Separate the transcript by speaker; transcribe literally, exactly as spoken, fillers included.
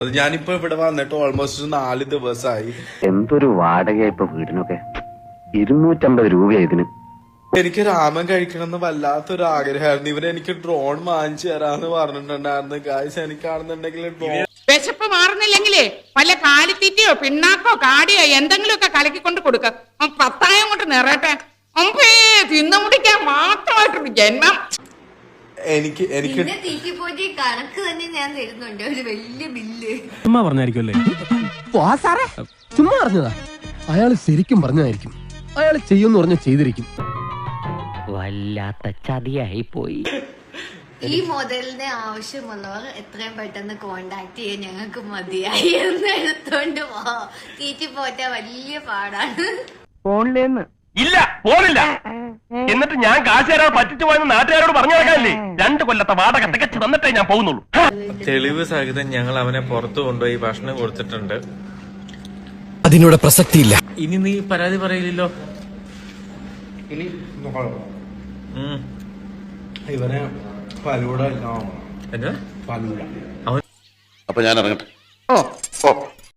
Speaker 1: ഞാനിപ്പോ ഇവിടെ വന്നിട്ട് ഓൾമോസ്റ്റ് നാല് ദിവസമായി.
Speaker 2: എന്തൊരു വാടക ഇപ്പൊ വീടിനൊക്കെ ഇരുന്നൂറ്റമ്പത് രൂപ ഇതിന്.
Speaker 1: എനിക്ക് രാമൻ കഴിക്കണം എന്ന് വല്ലാത്തൊരു ആഗ്രഹമായിരുന്നു. ഇവര് എനിക്ക് ഡ്രോൺ വാങ്ങിച്ചു തരാന്ന് പറഞ്ഞിട്ടുണ്ടായിരുന്നു. ഗായ്സ് എനിക്കാണെന്നുണ്ടെങ്കിൽ ഡ്രോൺ
Speaker 3: വിശപ്പ് മാറുന്നില്ലെങ്കിലേ വല്ല കാലിത്തീറ്റയോ പിണ്ണാക്കോ കാടിയോ എന്തെങ്കിലുമൊക്കെ കലക്കിക്കൊണ്ട് കൊടുക്ക. പത്തായം കൊണ്ട് നിറയട്ടെ. അമ്പേ തിന്നു മുടിക്കാൻ മാത്രമായിട്ടൊരു ജന്മം.
Speaker 1: എനിക്ക് എനിക്ക്
Speaker 4: കണക്ക് തന്നെ ഞാൻ തരുന്നുണ്ട്, ഒരു വലിയ ബില്ല്.
Speaker 5: ചുമ്മാ പറഞ്ഞായിരിക്കുമല്ലേ?
Speaker 6: ചുമ്മാ പറഞ്ഞതാ. അയാള് ശരിക്കും പറഞ്ഞതായിരിക്കും. അയാൾ ചെയ്യുമെന്ന് പറഞ്ഞ ചെയ്തിരിക്കും.
Speaker 2: വല്ലാത്ത ചതിയായി പോയി.
Speaker 4: ഈ മോഡലിന് ആവശ്യമുള്ളവർ എത്രയും പെട്ടെന്ന് കോണ്ടാക്ട് ചെയ്യാൻ ഞങ്ങൾക്ക് മതിയായി. എന്ന് എടുത്തോണ്ട് പോ. തീറ്റി പോറ്റാ വലിയ പാടാണ്.
Speaker 6: ഫോണിലേന്ന്
Speaker 5: ഇല്ല, പോണില്ല. എന്നിട്ട് ഞാൻ കാശ് തരാൻ പറ്റിച്ചു പോയെന്ന് നാട്ടുകാരോട് പറഞ്ഞു നടക്കാനില്ലേ? രണ്ടു കൊല്ലത്തെ വാടക തികച്ചു തന്നിട്ടേ ഞാൻ പോകുന്നുള്ളൂ.
Speaker 7: തെളിവ് സഹിതം ഞങ്ങൾ അവനെ പുറത്തു കൊണ്ടുപോയി ഭക്ഷണം കൊടുത്തിട്ടുണ്ട്.
Speaker 6: അതിനോട് പ്രസക്തിയില്ല.
Speaker 7: ഇനി നീ പരാതി പറയില്ലല്ലോ.
Speaker 1: ഇനി ഇവനെ ഫലൂട
Speaker 7: എന്താ
Speaker 1: ഫലൂട.
Speaker 8: അപ്പൊ ഞാൻ ഇറങ്ങട്ടെ.
Speaker 3: ഓ